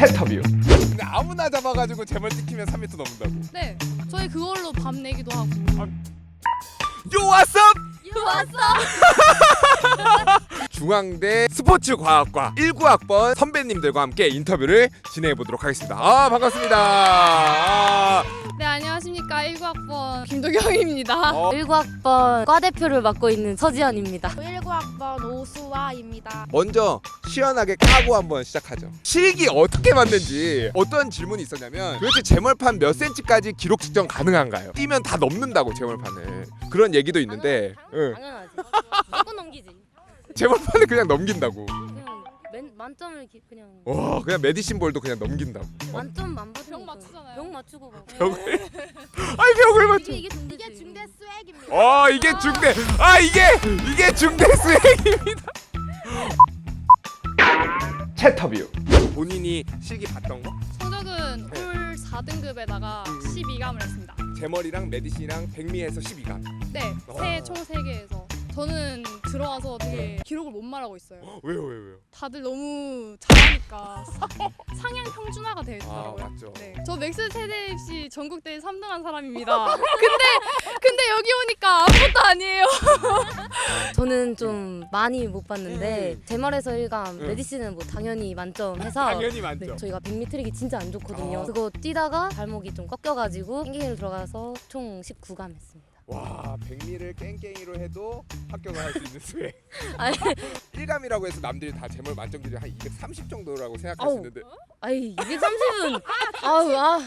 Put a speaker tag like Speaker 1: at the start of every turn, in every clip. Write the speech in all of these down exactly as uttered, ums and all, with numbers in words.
Speaker 1: 채터뷰.
Speaker 2: 근데 아무나 잡아가지고 재벌 찍히면 삼 미터 넘는다고.
Speaker 3: 네, 저희 그걸로 밤 내기도 하고.
Speaker 2: 요 왔어!
Speaker 3: 요 왔어!
Speaker 2: 중앙대 스포츠과학과 일구 학번 선배님들과 함께 인터뷰를 진행해 보도록 하겠습니다. 아 반갑습니다. 아.
Speaker 3: 네, 안녕하십니까. 일구 학번 김도경입니다.
Speaker 2: 어.
Speaker 4: 일구 학번 과대표를 맡고 있는 서지연입니다.
Speaker 5: 일구 학번 오수아입니다.
Speaker 2: 먼저 시원하게 까고 한번 시작하죠. 실기 어떻게 만든지 어떤 질문이 있었냐면 도대체 재물판 몇 센치까지 기록 측정 가능한가요? 뛰면 다 넘는다고 재물판을. 그런 얘기도 있는데 응.
Speaker 4: 당연하지. 무조건 넘기지.
Speaker 2: 재물판을 그냥 넘긴다고.
Speaker 4: 그냥 맨, 만점을 기, 그냥
Speaker 2: 와 그냥 메디신 볼도 그냥 넘긴다고.
Speaker 4: 만점 만받으면
Speaker 3: 병 맞추잖아요.
Speaker 4: 병 맞추고 막.
Speaker 2: 벽을 아이 벽을 맞춰.
Speaker 4: 이게 이게 중대
Speaker 5: 이게 중대 수액입니다.
Speaker 2: 어 이게 중대 아 이게 이게 중대 수행입니다.
Speaker 1: 채터뷰.
Speaker 2: 본인이 실기 봤던 거?
Speaker 3: 성적은
Speaker 2: 네.
Speaker 3: 홀 사 등급에다가
Speaker 2: 음.
Speaker 3: 십이 감을 했습니다.
Speaker 2: 제머리랑 메디신이랑 백미에서 십이 감.
Speaker 3: 네,
Speaker 2: 어.
Speaker 3: 세 총 세 개에서. 저는 들어와서 되게 기록을 못 말하고 있어요.
Speaker 2: 왜요 왜요 왜요?
Speaker 3: 다들 너무 잘하니까 상향 평준화가 되어
Speaker 2: 아
Speaker 3: 있더라고요.
Speaker 2: 맞죠.
Speaker 3: 네, 저 맥스 세대 입시 전국대회 삼 등한 사람입니다. 근데 근데 여기 오니까 아무것도 아니에요.
Speaker 4: 저는 좀 많이 못 봤는데
Speaker 2: 음.
Speaker 4: 제말에서 일 감,
Speaker 2: 음.
Speaker 4: 메디신은 뭐 당연히 만점해서
Speaker 2: 당연히 많죠.
Speaker 4: 네, 저희가 백미 트랙이 진짜 안 좋거든요.
Speaker 2: 아.
Speaker 4: 그거 뛰다가 발목이 좀 꺾여가지고 땡갱이로 들어가서 총 십구 감 했습니다.
Speaker 2: 와 백미를 깽깽이로 해도 합격을 할 수 있는 수행.
Speaker 4: 아니,
Speaker 2: 일 감이라고 해서 남들이 다 제몰 만점 기준이 한 이백삼십 정도라고 생각할
Speaker 4: 아우.
Speaker 2: 수 있는데
Speaker 4: 아이 이백삼십은 아우 아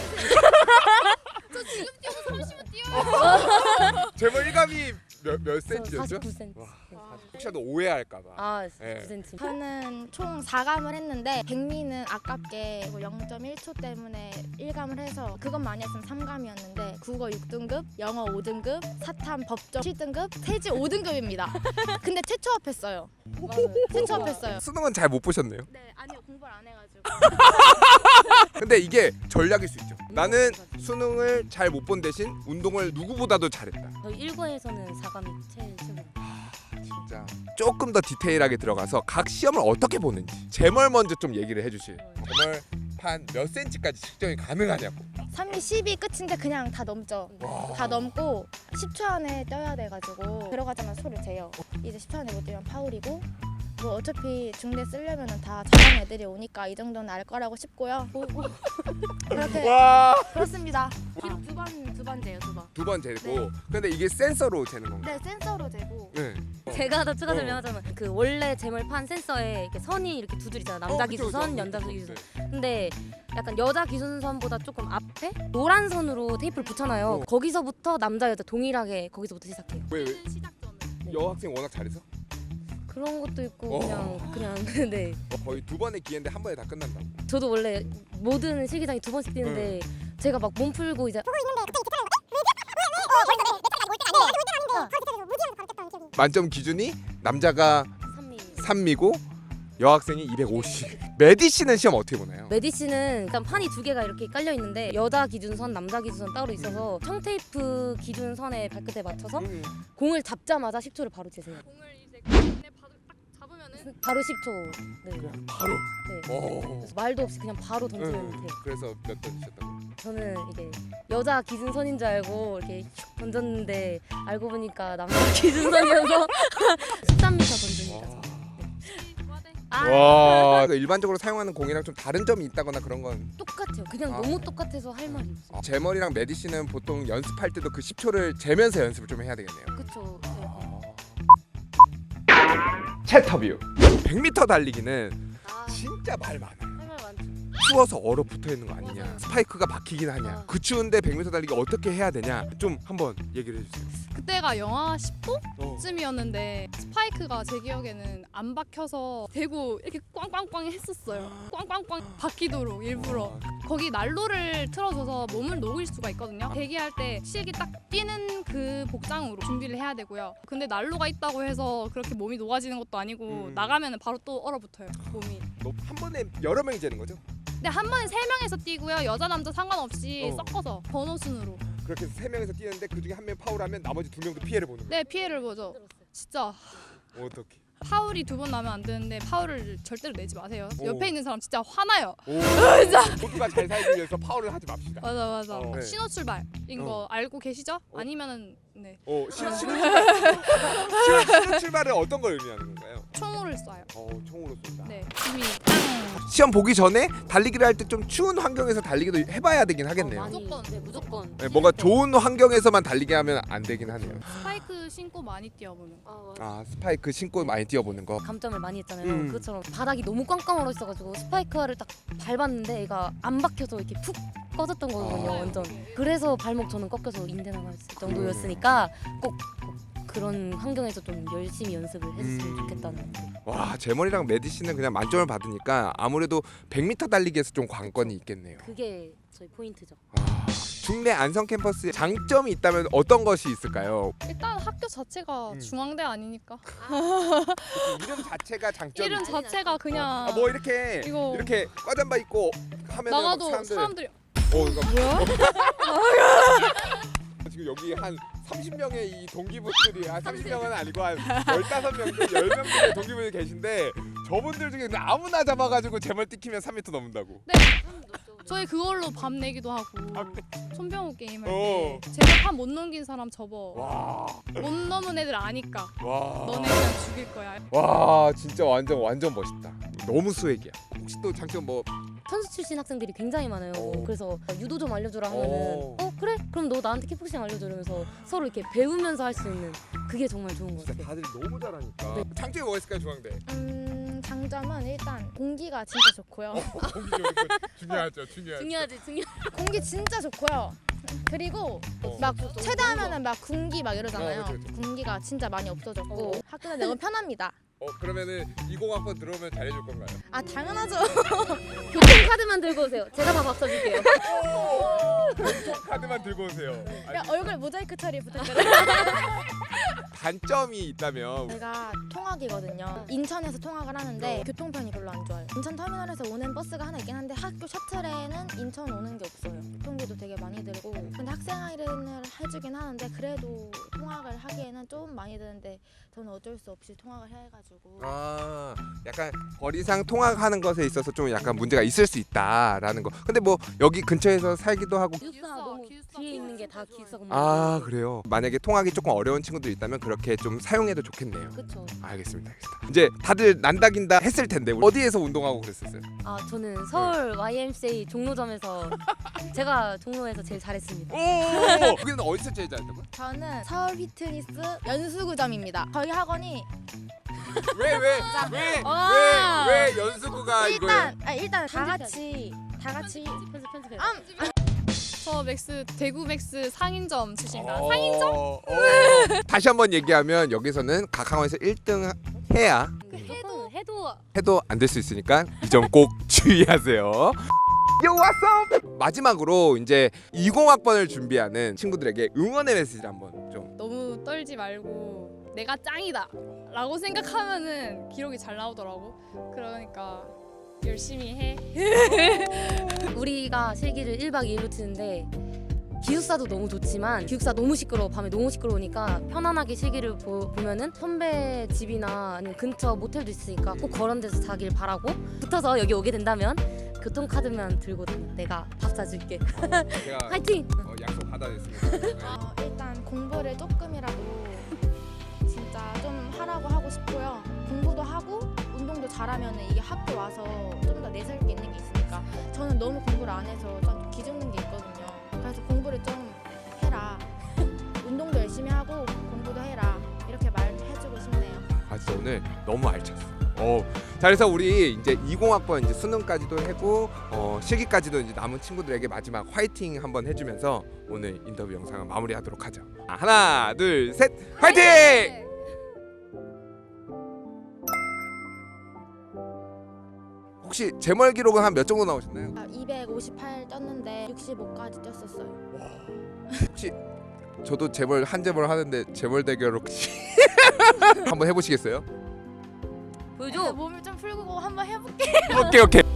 Speaker 3: 저 지금 뛰어서 삼십은 뛰어요.
Speaker 2: 제몰 일 감이 몇, 몇
Speaker 4: 저
Speaker 2: 센치였죠?
Speaker 4: 사십구 센티미터.
Speaker 2: 와.
Speaker 4: 네.
Speaker 2: 혹시라도 오해할까봐.
Speaker 4: 아
Speaker 2: 네.
Speaker 4: 구 센티미터.
Speaker 5: 저는 총 사 감을 했는데 백미는 아깝게 영 점 일 초 때문에 일 감을 해서 그것 많이 했으면 삼 감이었는데 국어 육 등급, 영어 오 등급, 사탐 법정 칠 등급, 세지 오 등급입니다. 근데 최초 합했어요.
Speaker 4: 맞아요.
Speaker 5: 최초 합했어요.
Speaker 2: 수능은 잘 못 보셨네요.
Speaker 5: 네, 아니요. 공부를 안 해가지고.
Speaker 2: 근데 이게 전략일 수 있죠. 나는 수능을 잘 못 본 대신 운동을 누구보다도 잘했다.
Speaker 4: 저희 일과에서는 사 감이 제일 최고.
Speaker 2: 진짜 조금 더 디테일하게 들어가서 각 시험을 어떻게 보는지 제멀 먼저 좀 얘기를 해주실. 제멀판 몇 센치까지 측정이 가능하냐고.
Speaker 5: 삼 미 십이 끝인데 그냥 다 넘죠.
Speaker 2: 와.
Speaker 5: 다 넘고 십 초 안에 떠야 돼가지고 들어가자마자 소를 재요. 이제 십 초 안에 못 뛰면 파울이고 뭐 어차피 중대 쓰려면은 다 잘하는 애들이 오니까 이 정도는 알 거라고 싶고요. 그렇게
Speaker 2: 와.
Speaker 5: 그렇습니다. 기록 두번 두 번 재요, 두 번.
Speaker 2: 두 번 재고.
Speaker 5: 네.
Speaker 2: 근데 이게 센서로 재는 건가요?
Speaker 5: 네, 센서로 재고.
Speaker 2: 네.
Speaker 4: 제가 더 추가
Speaker 2: 어.
Speaker 4: 설명하자면 그 원래 제멀판 센서에 이렇게 선이 이렇게 두 줄 있잖아. 남자
Speaker 2: 어, 그쵸,
Speaker 4: 기준선,
Speaker 2: 그쵸.
Speaker 4: 여자
Speaker 2: 네.
Speaker 4: 기준선. 근데 약간 여자 기준선보다 조금 앞에 노란 선으로 테이프를 붙여놔요.
Speaker 2: 어.
Speaker 4: 거기서부터 남자 여자 동일하게 거기서부터 시작해요.
Speaker 2: 왜, 왜?
Speaker 3: 시작점은.
Speaker 2: 여학생 워낙 잘해서?
Speaker 4: 그런 것도 있고
Speaker 2: 어.
Speaker 4: 그냥 그냥 네.
Speaker 2: 어, 거의 두 번의 기회인데 한 번에 다 끝난다고.
Speaker 4: 저도 원래 모든 실기장이 두 번씩 뛰는데 제가 막 몸 풀고 이제
Speaker 2: 만점 기준이 남자가
Speaker 4: 삼 미.
Speaker 2: 삼 미고 여학생이 이백오십. 메디신은 시험 어떻게 보나요?
Speaker 4: 메디신은 일단 판이 두 개가 이렇게 깔려 있는데 여자 기준선, 남자 기준선 따로 있어서 청테이프 기준선에 발끝에 맞춰서
Speaker 2: 음.
Speaker 4: 공을 잡자마자 십 초를 바로 재세요.
Speaker 3: 공을 이제 가운데 딱 잡으면은
Speaker 4: 바로 십 초. 네.
Speaker 2: 그냥 바로.
Speaker 4: 네.
Speaker 2: 오.
Speaker 4: 그래서 말도 없이 그냥 바로 던지면
Speaker 2: 응.
Speaker 4: 돼요.
Speaker 2: 그래서 몇 던지셨다고?
Speaker 4: 저는 이게 여자 기준선인 줄 알고 이렇게 슉 던졌는데 알고 보니까 남자 기준선이어서 십삼 미터 던집니다.
Speaker 2: 와.
Speaker 3: 과대.
Speaker 4: 아,
Speaker 2: 와. 일반적으로 사용하는 공이랑 좀 다른 점이 있다거나 그런 건.
Speaker 4: 똑같아요. 그냥
Speaker 2: 아.
Speaker 4: 너무 똑같아서 할 말이 없어요.
Speaker 2: 아, 제머리랑 메디신은 보통 연습할 때도 그 십 초를 재면서 연습을 좀 해야 되겠네요.
Speaker 4: 그쵸. 네.
Speaker 1: 채터뷰.
Speaker 2: 백 미터 달리기는
Speaker 4: 아,
Speaker 2: 진짜 말 많아요.
Speaker 4: 할 말 많죠.
Speaker 2: 추워서 얼어붙어 있는 거 아니냐,
Speaker 4: 맞아요.
Speaker 2: 스파이크가 박히긴 하냐,
Speaker 4: 아.
Speaker 2: 그 추운데 백 미터 달리기 어떻게 해야 되냐, 좀 한번 얘기를 해주세요.
Speaker 3: 그때가 영하 십
Speaker 2: 어.
Speaker 3: 도쯤이었는데 스파이크가 제 기억에는 안 박혀서 대고 이렇게 꽝꽝꽝 했었어요. 꽝꽝꽝 박히도록 일부러. 거기 난로를 틀어줘서 몸을 녹일 수가 있거든요. 대기할 때 실기 딱 뛰는 그 복장으로 준비를 해야 되고요. 근데 난로가 있다고 해서 그렇게 몸이 녹아지는 것도 아니고
Speaker 2: 음.
Speaker 3: 나가면 바로 또 얼어붙어요, 몸이.
Speaker 2: 너 한 번에 여러 명이 재는 거죠?
Speaker 3: 근데 한 번에 세 명에서 뛰고요. 여자 남자 상관없이
Speaker 2: 어.
Speaker 3: 섞어서 번호 순으로.
Speaker 2: 그렇게 해서 세 명에서 뛰는데 그 중에 한 명 파울하면 나머지 두 명도 피해를 보는 거예요.
Speaker 3: 네, 피해를 보죠. 진짜
Speaker 2: 어떻게?
Speaker 3: 파울이 두 번 나면 안 되는데 파울을 절대로 내지 마세요.
Speaker 2: 오.
Speaker 3: 옆에 있는 사람 진짜 화나요.
Speaker 2: 오, 모두가 잘 살기 위해서 파울을 하지 맙시다.
Speaker 3: 맞아 맞아.
Speaker 2: 어. 네.
Speaker 3: 신호 출발인
Speaker 2: 어.
Speaker 3: 거 알고 계시죠?
Speaker 2: 어.
Speaker 3: 아니면은 네
Speaker 2: 어, 신호 출발. 신호, 신호 출발은 어떤 걸 의미하는 건가요?
Speaker 3: 총으를 쏴요.
Speaker 2: 어, 총으로 쏜다.
Speaker 3: 네 이미
Speaker 2: 시험 보기 전에 달리기를 할 때 좀 추운 환경에서 달리기도 해봐야 되긴 하겠네요.
Speaker 4: 어, 많이,
Speaker 3: 무조건.
Speaker 4: 네, 무조건.
Speaker 2: 네, 뭔가 좋은 환경에서만 달리게 하면 안 되긴 하네요.
Speaker 3: 스파이크 신고 많이 뛰어보는.
Speaker 4: 아, 맞아.
Speaker 2: 아, 스파이크 신고 많이 뛰어보는 거.
Speaker 4: 감점을 많이 했잖아요.
Speaker 2: 음.
Speaker 4: 그것처럼 바닥이 너무 꽝꽝 얼어 있어가지고 스파이크를 딱 밟았는데 얘가 안 박혀서 이렇게 푹 꺼졌던 거거든요.
Speaker 2: 아.
Speaker 4: 완전. 그래서 발목 저는 꺾여서 인대 나갔을 정도였으니까 꼭 그런 환경에서 좀 열심히 연습을 했으면
Speaker 2: 음.
Speaker 4: 좋겠다는.
Speaker 2: 와, 제머리랑 메디 씨는 그냥 만점을 받으니까 아무래도 백 미터 달리기에서 좀 관건이 있겠네요.
Speaker 4: 그게 저희 포인트죠.
Speaker 2: 아, 중대 안성 캠퍼스에 장점이 있다면 어떤 것이 있을까요?
Speaker 3: 일단 학교 자체가
Speaker 2: 음.
Speaker 3: 중앙대 아니니까
Speaker 2: 이름 자체가 장점이.
Speaker 3: 이름 자체가 그냥
Speaker 2: 아, 뭐 이렇게
Speaker 3: 이거
Speaker 2: 이렇게 과잠바 입고 하면
Speaker 3: 나가도
Speaker 2: 사람들.
Speaker 3: 사람들이
Speaker 2: 어, 이거
Speaker 3: 뭐야?
Speaker 2: 지금 여기 한 삼십 명의 이 동기분들이 아 삼십 명은 아니고 한 십오 명, 열 명 정도의 동기분이 계신데 저분들 중에 그냥 아무나 잡아가지고 제멀 찍히면 삼 미터 넘는다고.
Speaker 3: 저희 그걸로 밤 내기도 하고
Speaker 2: 아, 그래?
Speaker 3: 손병호 게임 할
Speaker 2: 어.
Speaker 3: 때 제가 판 못 넘긴 사람 접어.
Speaker 2: 와,
Speaker 3: 못 넘은 애들 아니까
Speaker 2: 와,
Speaker 3: 너네 그냥 죽일 거야.
Speaker 2: 와, 진짜 완전 완전 멋있다. 너무 수액이야. 혹시 또 장점 뭐?
Speaker 4: 선수 출신 학생들이 굉장히 많아요.
Speaker 2: 오.
Speaker 4: 그래서 유도 좀 알려주라 하면은
Speaker 2: 오.
Speaker 4: 어 그래? 그럼 너 나한테 킥복싱 알려줘 이러면서 서로 이렇게 배우면서 할 수 있는 그게 정말 좋은 것
Speaker 2: 진짜
Speaker 4: 같아요.
Speaker 2: 다들 너무 잘하니까.
Speaker 4: 네.
Speaker 2: 장점이 뭐가 있을까요, 중앙대?
Speaker 5: 음, 장점은 일단 공기가 진짜 좋고요.
Speaker 2: 공기 좋은 거 중요하죠, 중요하죠.
Speaker 4: 중요하지 중요.
Speaker 5: 공기 진짜 좋고요. 그리고
Speaker 2: 어.
Speaker 5: 막 최대하면은 막 군기 막 이러잖아요.
Speaker 2: 어, 그쵸, 그쵸.
Speaker 5: 군기가 진짜 많이 없어졌고
Speaker 4: 어.
Speaker 5: 학교 내가 편합니다.
Speaker 2: 어, 그러면은 이공학번 들어오면 잘해줄 건가요?
Speaker 5: 아 당연하죠.
Speaker 4: 교통 카드만 들고 오세요. 제가 다 바꿔줄게요.
Speaker 2: 카드만 들고 오세요.
Speaker 5: 야, 얼굴 모자이크 처리 부탁드려요.
Speaker 2: 단점이 있다면
Speaker 5: 제가 통학이거든요. 인천에서 통학을 하는데 교통편이 별로 안 좋아요. 인천 터미널에서 오는 버스가 하나 있긴 한데 학교 셔틀에는 인천 오는 게 없어요. 교통비도 되게 많이 들고 근데 학생 할인을 해주긴 하는데 그래도 통학을 하기에는 좀 많이 드는데 저는 어쩔 수 없이 통학을 해가지고
Speaker 2: 아, 약간 거리상 통학하는 것에 있어서 좀 약간 문제가 있을 수 있다라는 거. 근데 뭐 여기 근처에서 살기도 하고.
Speaker 4: 기숙사 너무
Speaker 3: 기숙사
Speaker 4: 뒤에 있는 게 다 기숙사 건물.
Speaker 2: 아, 그래요. 만약에 통학이 조금 어려운 친구들 있다면 그렇게 좀 사용해도 좋겠네요.
Speaker 4: 그렇죠.
Speaker 2: 알겠습니다. 알겠습니다. 이제 다들 난다긴다 했을 텐데 어디에서 운동하고 그랬었어요?
Speaker 4: 아 저는 서울 와이엠씨에이 종로점에서 제가 종로에서 제일 잘했습니다.
Speaker 2: 오! 거기는 어디서 제일 잘했다고요?
Speaker 5: 저는 서울 휘트니스 연수구점입니다. 저희 학원이
Speaker 2: 왜 왜 왜
Speaker 3: 와.
Speaker 2: 왜 왜 연수구가 이거예요?
Speaker 5: 일단 아, 일단 다
Speaker 4: 편집해야지.
Speaker 5: 같이 다 같이
Speaker 4: 편집 편집해.
Speaker 5: 아,
Speaker 3: 저 맥스 대구 맥스 상인점 출신입니다.
Speaker 2: 어,
Speaker 3: 상인점?
Speaker 2: 어. 다시 한번 얘기하면 여기서는 각 학원에서 일 등 해야
Speaker 4: 해도 해도
Speaker 2: 해도 안 될 수 있으니까 이 점 꼭 주의하세요. Yo, what's up? 마지막으로 이제 이공학번을 준비하는 친구들에게 응원의 메시지 한번 좀.
Speaker 3: 너무 떨지 말고 내가 짱이다 라고 생각하면은 기록이 잘 나오더라고. 그러니까 열심히 해.
Speaker 4: 우리가 실기를 일 박 이 일로 치는데 기숙사도 너무 좋지만 기숙사 너무 시끄러워. 밤에 너무 시끄러우니까 편안하게 실기를 보, 보면은 선배 집이나 아니면 근처 모텔도 있으니까 꼭 그런 데서 자길 바라고 붙어서 여기 오게 된다면 교통카드만 들고 다녀. 내가 밥 사줄게.
Speaker 2: 제가
Speaker 4: 화이팅!
Speaker 2: 어, 약속 받아냈습니다.
Speaker 5: 어, 일단 공부를 조금이라도 진짜 좀 하라고 하고 싶고요. 공부도 하고 운동도 잘하면 이게 학교 와서 좀 더 내세울 게 있는 게 있으니까 저는 너무 공부를 안 해서 좀 기죽는 게 있거든요. 그래서 공부를 좀 해라. 운동도 열심히 하고 공부도 해라. 이렇게 말해주고 싶네요.
Speaker 2: 아, 진짜 오늘 너무 알찼어. 어, 자, 그래서 우리 이제 이공학번 이제 수능까지도 하고 어, 실기까지도 이제 남은 친구들에게 마지막 화이팅 한번 해주면서 오늘 인터뷰 영상을 마무리하도록 하죠. 아, 하나, 둘, 셋, 화이팅! 혹시 제멀 기록은 한 몇 정도 나오셨나요?
Speaker 5: 아, 이백오십팔 떴는데 육십오까지 뛰었었어요.
Speaker 2: 혹시 저도 재벌 한 재벌 하는데 재벌 대결 혹시 한번 해보시겠어요?
Speaker 4: 보여줘.
Speaker 5: 몸을 좀 풀고 한번 해볼게.
Speaker 2: 오케이 오케이.